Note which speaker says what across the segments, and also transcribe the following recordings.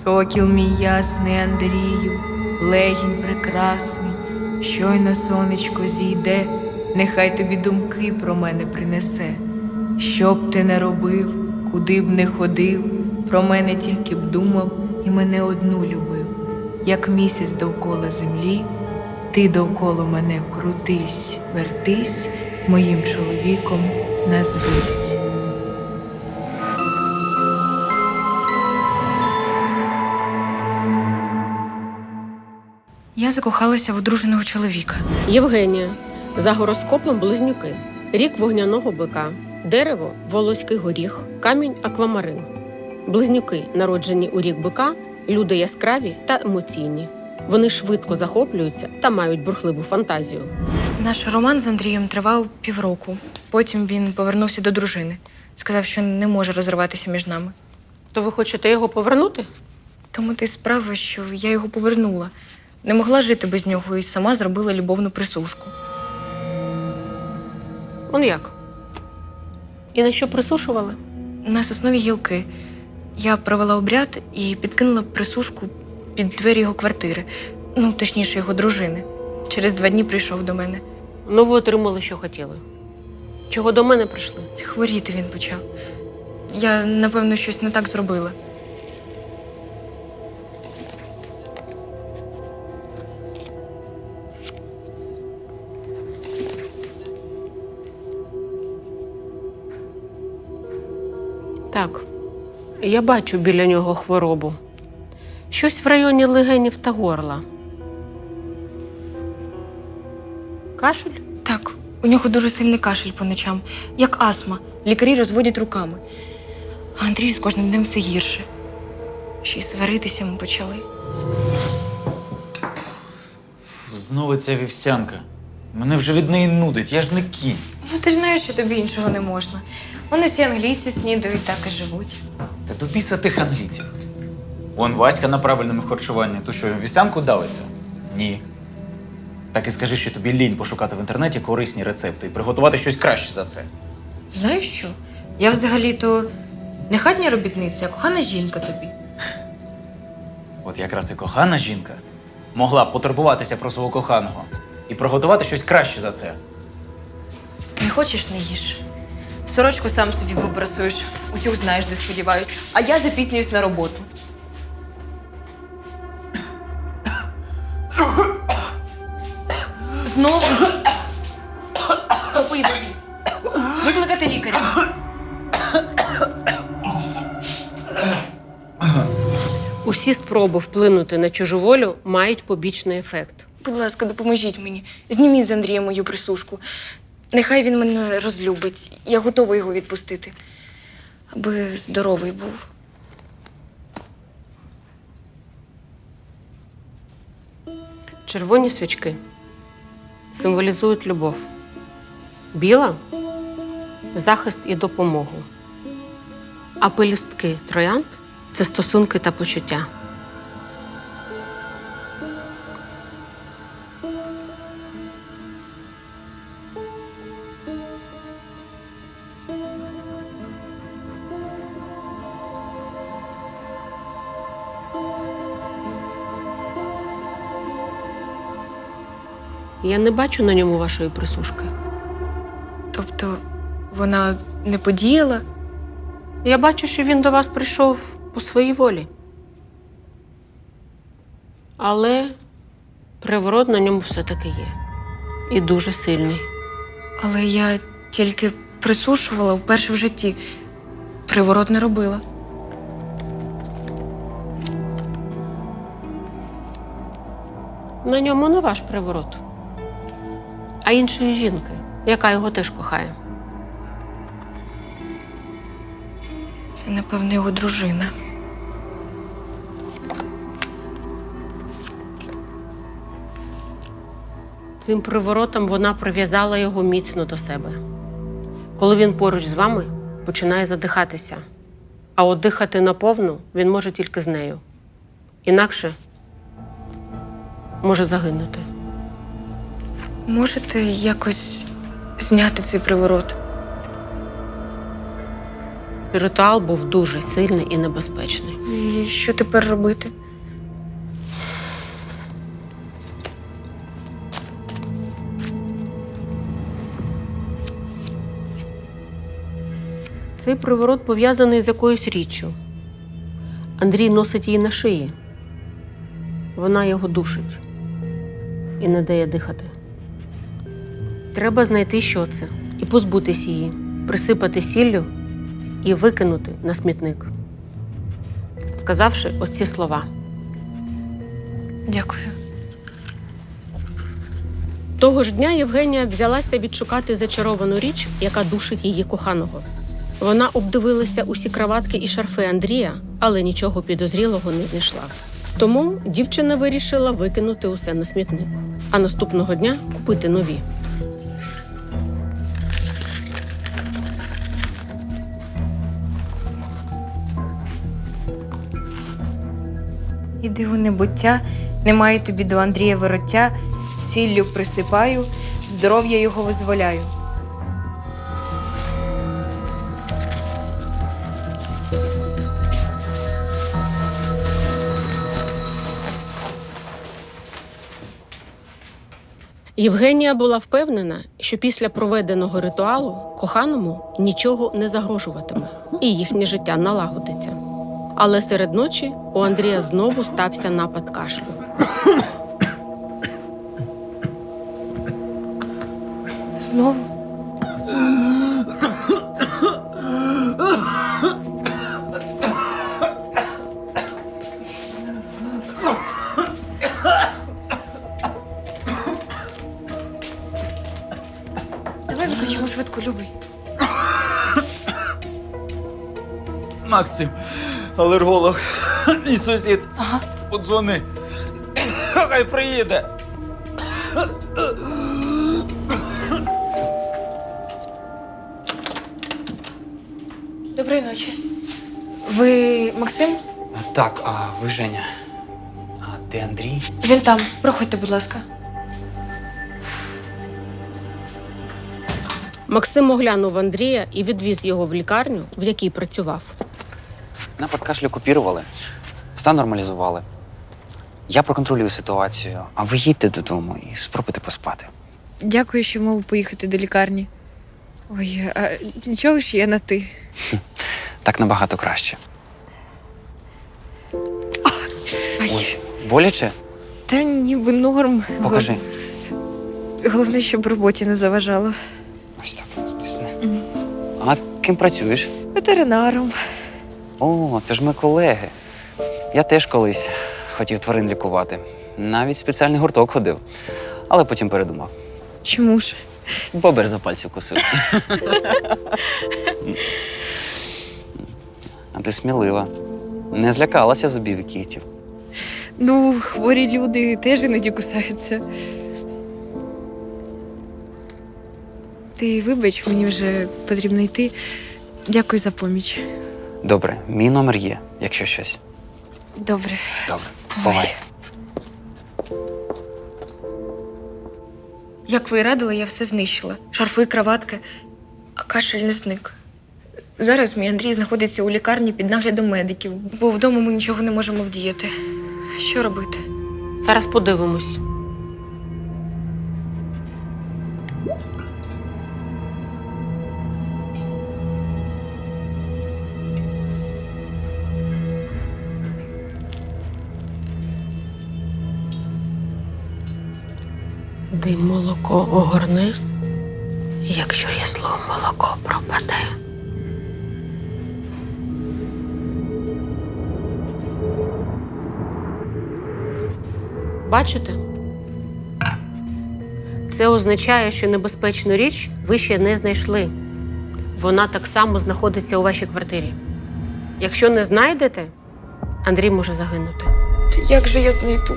Speaker 1: Сокіл мій ясний Андрію, легінь прекрасний, щойно сонечко зійде, нехай тобі думки про мене принесе. Що б ти не робив, куди б не ходив, про мене тільки б думав і мене одну любив. Як місяць довкола землі, ти довкола мене крутись, вертись, моїм чоловіком назвись.
Speaker 2: Я закохалася в одруженого чоловіка.
Speaker 3: Євгенія. За гороскопом близнюки. Рік вогняного бика. Дерево – волоський горіх, камінь – аквамарин. Близнюки, народжені у рік бика, люди яскраві та емоційні. Вони швидко захоплюються та мають бурхливу фантазію.
Speaker 2: Наш роман з Андрієм тривав півроку. Потім він повернувся до дружини. Сказав, що не може розриватися між нами.
Speaker 3: То ви хочете його повернути?
Speaker 2: Тому ти справа, що я його повернула. Не могла жити без нього і сама зробила любовну присушку.
Speaker 3: Он як? І на що присушували?
Speaker 2: На соснові гілки. Я провела обряд і підкинула присушку під двері його квартири. Ну, точніше, його дружини. Через 2 дні прийшов до мене.
Speaker 3: Ну, ви отримали, що хотіли. Чого до мене прийшли?
Speaker 2: Хворіти він почав. Я, напевно, щось не так зробила.
Speaker 3: Так, я бачу біля нього хворобу. Щось в районі легенів та горла. Кашель?
Speaker 2: Так, у нього дуже сильний кашель по ночам, як астма. Лікарі розводять руками. А Андрію з кожним днем все гірше. Ще й сваритися ми почали.
Speaker 4: Знову ця вівсянка. Мене вже від неї нудить, я ж не кінь.
Speaker 2: Ну, ти ж знаєш, що тобі іншого не можна. Вони всі англійці снідають, так і живуть.
Speaker 4: Та до біса тих англійців. Вон Васька на правильному харчуванні. То що, вівсянку давиться? Ні. Так і скажи, що тобі лінь пошукати в інтернеті корисні рецепти і приготувати щось краще за це.
Speaker 2: Знаєш що? Я взагалі-то не хатня робітниця, а кохана жінка тобі.
Speaker 4: От якраз і кохана жінка могла б потурбуватися про свого коханого і приготувати щось краще за це.
Speaker 2: Не хочеш, не їж. Сорочку сам собі вибрасуєш. Утюг знаєш, де сподіваюсь. А я запізнююсь на роботу. Знову? Попий води. Викликати лікаря.
Speaker 3: Усі спроби вплинути на чужу волю мають побічний ефект.
Speaker 2: Будь ласка, допоможіть мені. Зніміть з Андрія мою присушку. Нехай він мене розлюбить. Я готова його відпустити. Аби здоровий був.
Speaker 3: Червоні свічки символізують любов. Біла – захист і допомогу. А пелюстки троянд – це стосунки та почуття. Я не бачу на ньому вашої присушки.
Speaker 2: Тобто вона не подіяла?
Speaker 3: Я бачу, що він до вас прийшов по своїй волі. Але приворот на ньому все-таки є. І дуже сильний.
Speaker 2: Але я тільки присушувала вперше в житті. Приворот не робила.
Speaker 3: На ньому не ваш приворот, а іншої жінки, яка його теж кохає.
Speaker 2: Це, напевно, його дружина.
Speaker 3: Цим приворотом вона прив'язала його міцно до себе. Коли він поруч з вами, починає задихатися. А от дихати наповну він може тільки з нею. Інакше може загинути.
Speaker 2: Можете якось зняти цей приворот?
Speaker 3: Ритуал був дуже сильний і небезпечний.
Speaker 2: І що тепер робити?
Speaker 3: Цей приворот пов'язаний з якоюсь річчю. Андрій носить її на шиї. Вона його душить і не дає дихати. Треба знайти, що це, і позбутись її, присипати сіллю і викинути на смітник, сказавши оці слова.
Speaker 2: Дякую.
Speaker 3: Того ж дня Євгенія взялася відшукати зачаровану річ, яка душить її коханого. Вона обдивилася усі краватки і шарфи Андрія, але нічого підозрілого не знайшла. Тому дівчина вирішила викинути усе на смітник, а наступного дня купити нові.
Speaker 2: Іди у небуття, немає тобі до Андрія вороття, сіллю присипаю, здоров'я його визволяю.
Speaker 3: Євгенія була впевнена, що після проведеного ритуалу коханому нічого не загрожуватиме і їхнє життя налагодиться. Але серед ночі у Андрія знову стався напад кашлю.
Speaker 2: Знову? Давай викличемо швидко, любий.
Speaker 4: Максим, алерголог, мій сусід.
Speaker 2: Ага.
Speaker 4: Подзвони. Хай приїде.
Speaker 2: Доброї ночі. Ви Максим?
Speaker 5: Так, а ви Женя. А де Андрій?
Speaker 2: Він там. Проходьте, будь ласка.
Speaker 3: Максим оглянув Андрія і відвіз його в лікарню, в якій працював.
Speaker 5: Напад кашлю купірували, стан нормалізували. Я проконтролюю ситуацію, а ви їдьте додому і спробуйте поспати.
Speaker 2: Дякую, що мав поїхати до лікарні. Ой, а нічого ж я на ти.
Speaker 5: Так набагато краще.
Speaker 2: Ай,
Speaker 5: Ой, боляче?
Speaker 2: та ніби норм.
Speaker 5: Покажи.
Speaker 2: Головне, щоб роботі не заважало.
Speaker 5: Ось так, стисни. А ким працюєш?
Speaker 2: Ветеринаром.
Speaker 5: О, це ж ми колеги. Я теж колись хотів тварин лікувати. Навіть в спеціальний гурток ходив. Але потім передумав.
Speaker 2: Чому ж?
Speaker 5: Бобер за пальці вкусив. А ти смілива. Не злякалася зубів і кігтів.
Speaker 2: Ну, хворі люди теж іноді кусаються. Ти вибач, мені вже потрібно йти. Дякую за поміч.
Speaker 5: Добре, мій номер є, якщо щось.
Speaker 2: Добре.
Speaker 5: Добре, бувай.
Speaker 2: Як ви і радили, я все знищила. Шарфи, краватки, а кашель не зник. Зараз мій Андрій знаходиться у лікарні під наглядом медиків, бо вдома ми нічого не можемо вдіяти. Що робити?
Speaker 3: Зараз подивимось. Дим молоко огорни, якщо ясло молоко пропаде. Бачите? Це означає, що небезпечну річ ви ще не знайшли. Вона так само знаходиться у вашій квартирі. Якщо не знайдете, Андрій може загинути.
Speaker 2: Як же я знайду?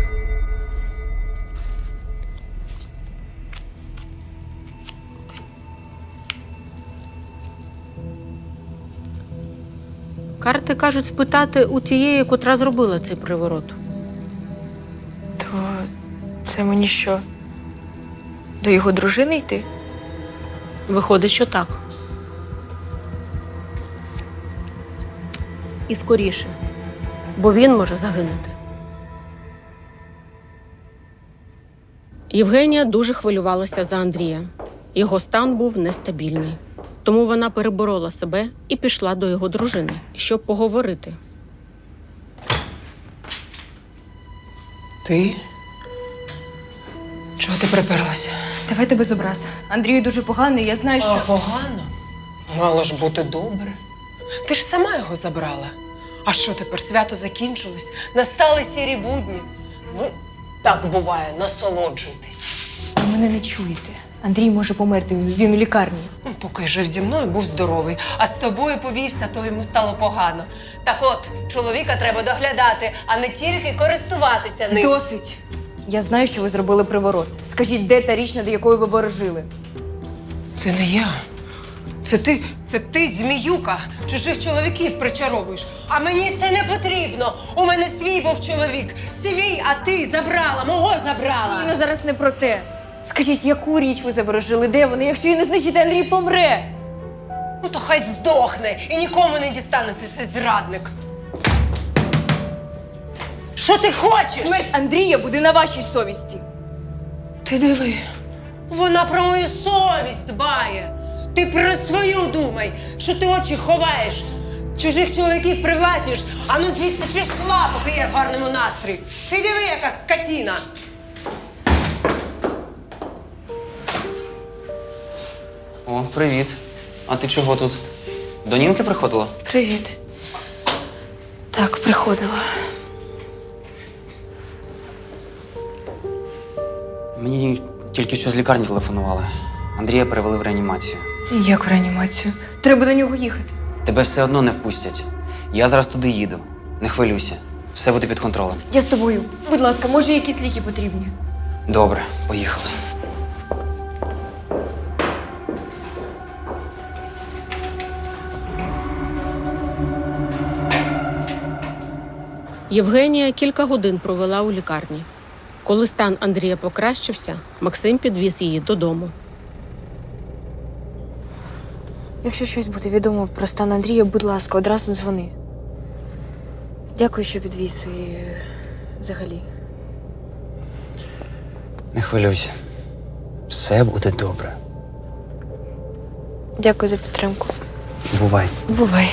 Speaker 3: Карти кажуть спитати у тієї, котра зробила цей приворот.
Speaker 2: То це мені що? До його дружини йти?
Speaker 3: Виходить, що так. і скоріше, бо він може загинути. Євгенія дуже хвилювалася за Андрія. Його стан був нестабільний. Тому вона переборола себе і пішла до його дружини, щоб поговорити.
Speaker 6: Ти? Чого ти приперлася?
Speaker 2: Давайте без образ. Андрію дуже погано, і я знаю, що.
Speaker 6: Погано. Мало ж бути добре. Ти ж сама його забрала. А що тепер? Свято закінчилось? Настали сірі будні. Ну, так буває, насолоджуйтесь.
Speaker 2: Ви мене не чуєте. Андрій може померти, він у лікарні.
Speaker 6: Поки жив зі мною, був здоровий, а з тобою повівся, то йому стало погано. Так от, чоловіка треба доглядати, а не тільки користуватися ним.
Speaker 2: Досить! Я знаю, що ви зробили приворот. Скажіть, де та річ, над якою ви ворожили?
Speaker 6: Це не я. Це ти, зміюка, чужих чоловіків причаровуєш. А мені це не потрібно. У мене свій був чоловік. Свій, а ти забрала, мого забрала.
Speaker 2: Ніна, зараз не про те. Скажіть, яку річ ви заворожили? Де вони? Якщо її не знищите, Андрій помре!
Speaker 6: Ну то хай здохне і нікому не дістанеться цей зрадник. Що ти хочеш?
Speaker 2: Смерть Андрія буде на вашій совісті.
Speaker 6: Ти диви, вона про мою совість дбає. Ти про свою думай, що ти очі ховаєш. Чужих чоловіків привласнюєш. Ану звідси пішла, поки я в гарному настрої. Ти диви, яка скотіна.
Speaker 5: О, привіт. А ти чого тут? До Нінки приходила?
Speaker 2: Привіт. Так, приходила.
Speaker 5: Мені тільки що з лікарні телефонували. Андрія перевели в реанімацію.
Speaker 2: Як в реанімацію? Треба до нього їхати.
Speaker 5: Тебе все одно не впустять. Я зараз туди їду. Не хвилюйся. Все буде під контролем.
Speaker 2: Я з тобою. Будь ласка, може, якісь ліки потрібні?
Speaker 5: Добре, поїхали.
Speaker 3: Євгенія кілька годин провела у лікарні. Коли стан Андрія покращився, Максим підвіз її додому.
Speaker 2: Якщо щось буде відомо про стан Андрія, будь ласка, одразу дзвони. Дякую, що підвіз і взагалі.
Speaker 5: Не хвилюйся. Все буде добре.
Speaker 2: Дякую за підтримку.
Speaker 5: Бувай.
Speaker 2: Бувай.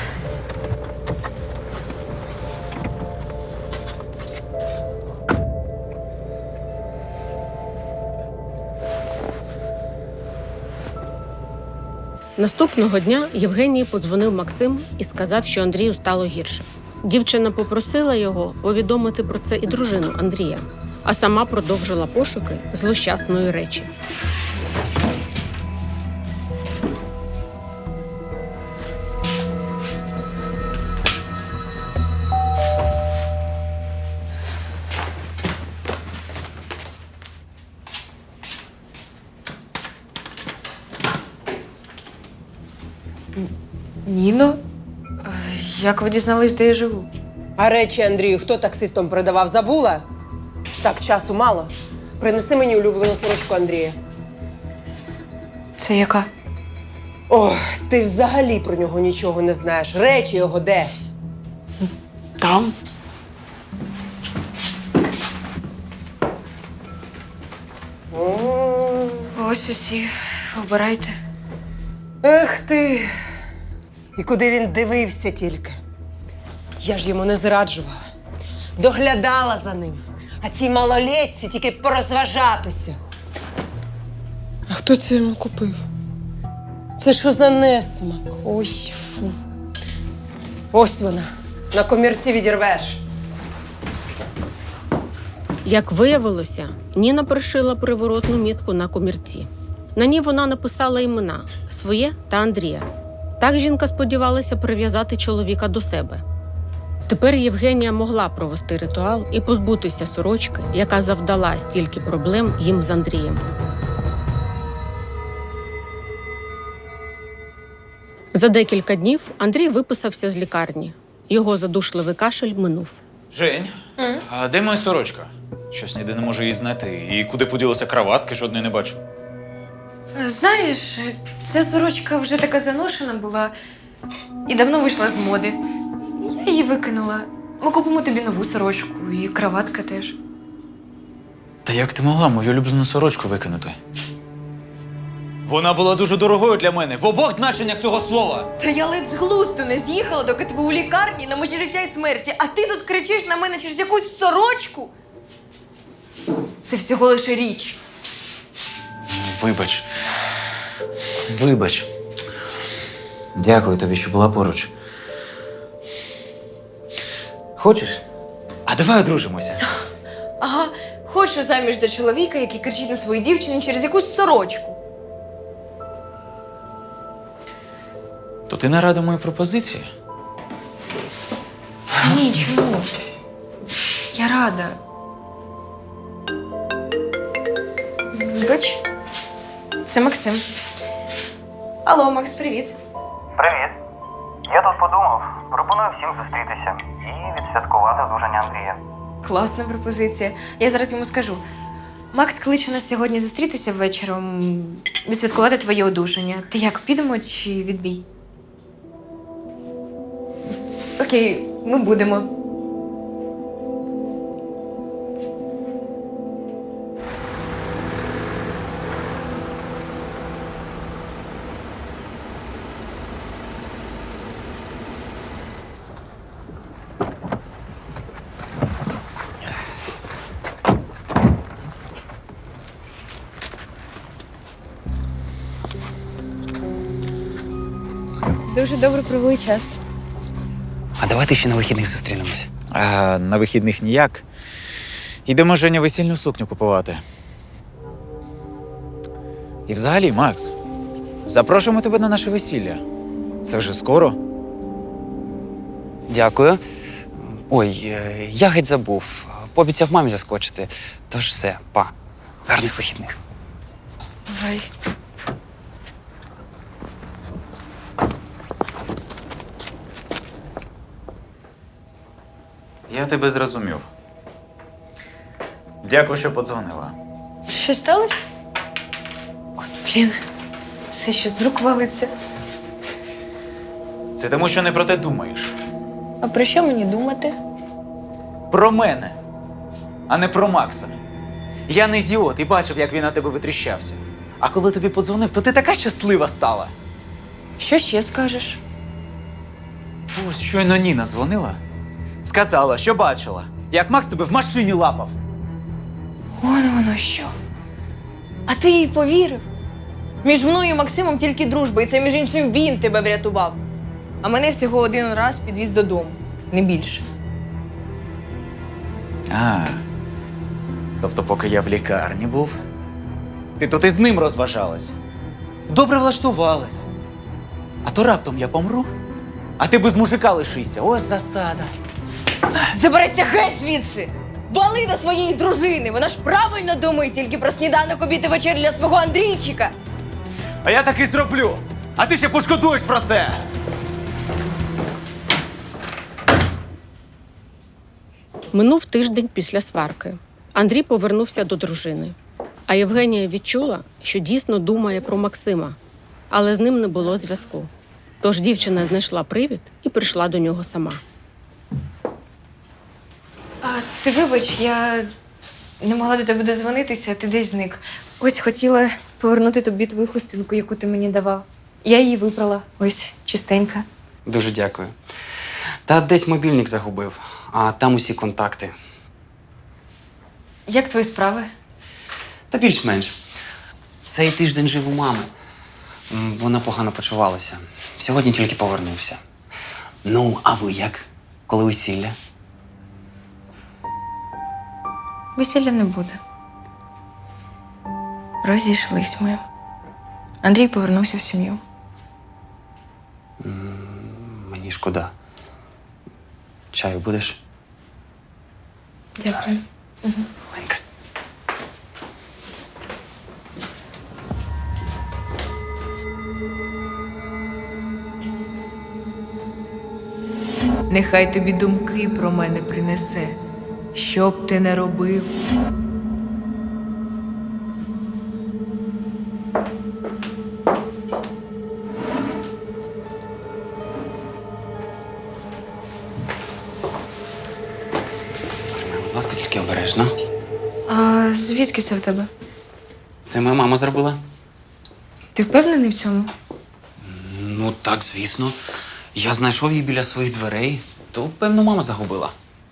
Speaker 3: Наступного дня Євгенії подзвонив Максим і сказав, що Андрію стало гірше. Дівчина попросила його повідомити про це і дружину Андрія, а сама продовжила пошуки злощасної речі.
Speaker 2: Ніно? Як ви дізнались, де я живу?
Speaker 6: А речі, Андрію, хто таксистом передавав, забула? Так, часу мало. Принеси мені улюблену сорочку Андрія.
Speaker 2: Це яка?
Speaker 6: Ох, ти взагалі про нього нічого не знаєш. Речі його де?
Speaker 2: Там. Ось усі. Обирайте.
Speaker 6: Ех ти! І куди він дивився тільки. Я ж йому не зраджувала. Доглядала за ним. А цій малолетці тільки порозважатися. А хто це йому купив? Це що за несмак? Ой, фу. Ось вона. На комірці відірвеш.
Speaker 3: Як виявилося, Ніна пришила приворотну мітку на комірці. На ній вона написала імена – своє та Андрія. Так жінка сподівалася прив'язати чоловіка до себе. Тепер Євгенія могла провести ритуал і позбутися сорочки, яка завдала стільки проблем їм з Андрієм. За декілька днів Андрій виписався з лікарні. Його задушливий кашель минув.
Speaker 4: Жень, а де моя сорочка? Щось ніде не можу її знайти. І куди поділися краватки, жодної не бачу.
Speaker 2: Знаєш, ця сорочка вже така заношена була і давно вийшла з моди. Я її викинула. Ми купимо тобі нову сорочку і краватка теж.
Speaker 4: Та як ти могла мою улюблену сорочку викинути? Вона була дуже дорогою для мене, в обох значеннях цього слова.
Speaker 2: Та я ледь з глузду не з'їхала, доки ти був у лікарні на межі життя і смерті, а ти тут кричиш на мене через якусь сорочку? Це всього лише річ.
Speaker 4: Вибач. Вибач. Дякую тобі, що була поруч. Хочеш? А давай одружимося.
Speaker 2: Ага, хочу заміж за чоловіка, який кричить на свою дівчину через якусь сорочку.
Speaker 4: То ти не рада моїй пропозиції?
Speaker 2: Та ні, чому? Я рада. Вибач, це Максим. Алло, Макс, привіт.
Speaker 7: Привіт. Я тут подумав, пропоную всім зустрітися і відсвяткувати одруження Андрія.
Speaker 2: Класна пропозиція. Я зараз йому скажу. Макс кличе нас сьогодні зустрітися ввечером, відсвяткувати твоє одужання. Ти як, підемо чи відбій? Окей, ми будемо. Дуже добре провели час.
Speaker 5: А давайте ще на вихідних зустрінемось.
Speaker 4: А на вихідних ніяк. Йдемо Женя весільну сукню купувати. І взагалі, Макс, запрошуємо тебе на наше весілля. Це вже скоро.
Speaker 5: Дякую. Ой, я геть забув. Пообіцяв мамі заскочити. Тож все, па. Гарних вихідних.
Speaker 2: Бувай.
Speaker 4: Я тебе зрозумів. Дякую, що подзвонила.
Speaker 2: Що сталося? От, блін, все ще з рук валиться.
Speaker 4: Це тому, що не про те думаєш.
Speaker 2: А про що мені думати?
Speaker 4: Про мене, а не про Макса. Я не ідіот і бачив, як він на тебе витріщався. А коли тобі подзвонив, то ти така щаслива стала.
Speaker 2: Що ще скажеш?
Speaker 4: Ось щойно Ніна дзвонила. Сказала, що бачила, як Макс тебе в машині лапав.
Speaker 2: Воно що. А ти їй повірив? Між мною і Максимом тільки дружба, і це, між іншим, він тебе врятував. А мене всього один раз підвіз додому, не більше.
Speaker 4: Тобто, поки я в лікарні був, ти тут із ним розважалась. Добре влаштувалась. А то раптом я помру, а ти без мужика лишишся. Ось засада.
Speaker 2: Заберися геть звідси! Вали до своєї дружини! Вона ж правильно думає тільки про сніданок, обід і вечір для свого Андрійчика!
Speaker 4: А я так і зроблю. А ти ще пошкодуєш про це.
Speaker 3: Минув тиждень після сварки. Андрій повернувся до дружини. А Євгенія відчула, що дійсно думає про Максима, але з ним не було зв'язку. Тож дівчина знайшла привід і прийшла до нього сама.
Speaker 2: А ти вибач, я не могла до тебе дозвонитися, ти десь зник. Ось хотіла повернути тобі твою хустинку, яку ти мені давав. Я її випрала. Ось, чистенька.
Speaker 5: Дуже дякую. Та десь мобільник загубив, а там усі контакти.
Speaker 2: Як твої справи?
Speaker 5: Та більш-менш. Цей тиждень жив у мами. Вона погано почувалася. Сьогодні тільки повернувся. Ну, а ви як? Коли весілля?
Speaker 2: Весілля не буде. Розійшлись ми. Андрій повернувся в сім'ю.
Speaker 5: Мені шкода. Чаю будеш?
Speaker 2: Дякую.
Speaker 5: Ленка.
Speaker 1: Нехай тобі думки про мене принесе, що б ти не робив.
Speaker 2: А звідки це в тебе?
Speaker 5: Це моя мама зробила?
Speaker 2: Ти впевнений в цьому?
Speaker 5: Ну, так, звісно. Я знайшов її біля своїх дверей, то, певно, мама загубила.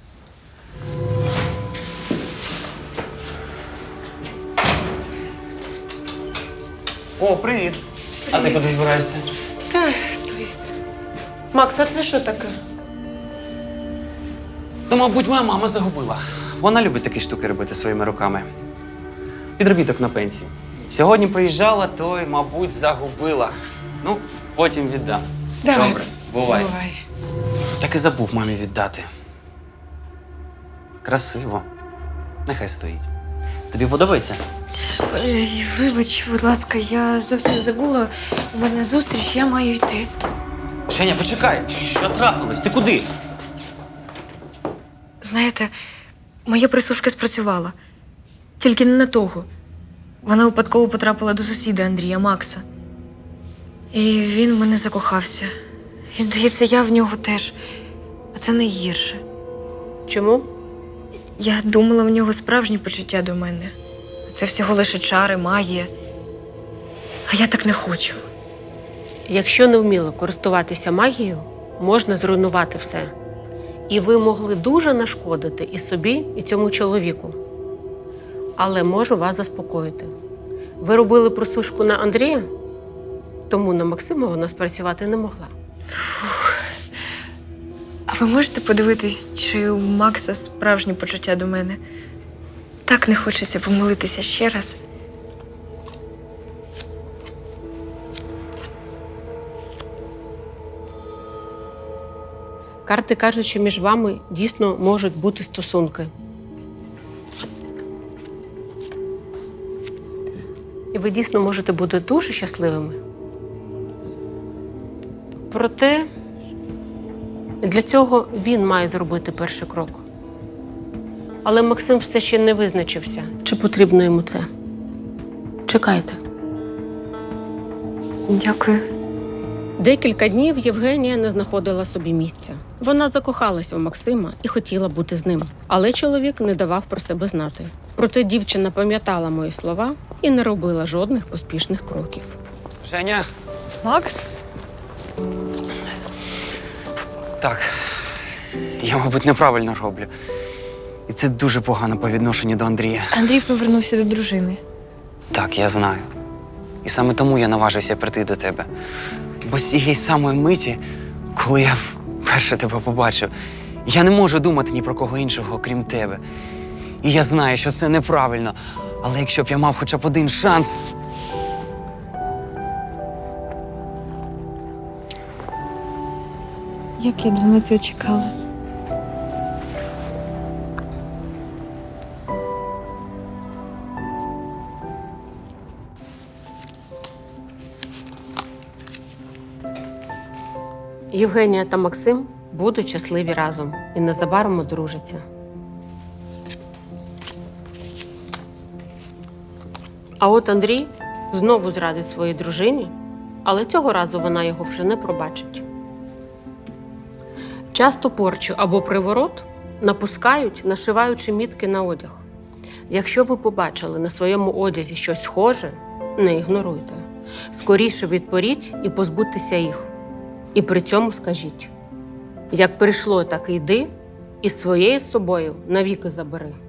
Speaker 5: О, привіт. А ти куди збираєшся?
Speaker 6: Макс, а це що таке?
Speaker 5: То, мабуть, моя мама загубила. Вона любить такі штуки робити своїми руками. Підробіток на пенсії. Сьогодні приїжджала, то й, мабуть, загубила. Ну, потім віддам.
Speaker 2: Давай.
Speaker 5: Добре, бувай.
Speaker 6: Бувай.
Speaker 5: Так і забув мамі віддати. Красиво. Нехай стоїть. Тобі подобається?
Speaker 2: Вибач, будь ласка, я зовсім забула. У мене зустріч, я маю йти.
Speaker 5: Женя, почекай! Що трапилось? Ти куди?
Speaker 2: Знаєте, моя присушка спрацювала. Тільки не на того. Вона випадково потрапила до сусіда Андрія Макса. І він в мене закохався. І, здається, я в нього теж. А це найгірше.
Speaker 3: Чому?
Speaker 2: Я думала, в нього справжні почуття до мене. Це всього лише чари, магія. А я так не хочу.
Speaker 3: Якщо не вміли користуватися магією, можна зруйнувати все. І ви могли дуже нашкодити і собі, і цьому чоловіку. Але можу вас заспокоїти. Ви робили просушку на Андрія, тому на Максима вона спрацювати не могла.
Speaker 2: А ви можете подивитись, чи у Макса справжні почуття до мене? Так не хочеться помилитися ще раз.
Speaker 3: Карти кажуть, що між вами дійсно можуть бути стосунки. І ви дійсно можете бути дуже щасливими. Проте для цього він має зробити перший крок. Але Максим все ще не визначився, чи потрібно йому це. Чекайте.
Speaker 2: Дякую.
Speaker 3: Декілька днів Євгенія не знаходила собі місця. Вона закохалася у Максима і хотіла бути з ним. Але чоловік не давав про себе знати. Проте дівчина пам'ятала мої слова і не робила жодних поспішних кроків.
Speaker 5: Женя!
Speaker 2: Макс?
Speaker 5: Так. Я, мабуть, неправильно роблю. І це дуже погано по відношенню до Андрія.
Speaker 2: Андрій повернувся до дружини.
Speaker 5: Так, я знаю. І саме тому я наважився прийти до тебе. Бо з цієї самої миті, коли я вперше тебе побачив, я не можу думати ні про кого іншого, крім тебе. І я знаю, що це неправильно. Але якщо б я мав хоча б один шанс.
Speaker 2: Як я давно цього чекала.
Speaker 3: Євгенія та Максим будуть щасливі разом і незабаром одружаться. А от Андрій знову зрадить своїй дружині, але цього разу вона його вже не пробачить. Часто порчу або приворот напускають, нашиваючи мітки на одяг. Якщо ви побачили на своєму одязі щось схоже, не ігноруйте. Скоріше відпоріть і позбудьтеся їх. І при цьому скажіть: як прийшло, так і йди, і своєю з собою навіки забери.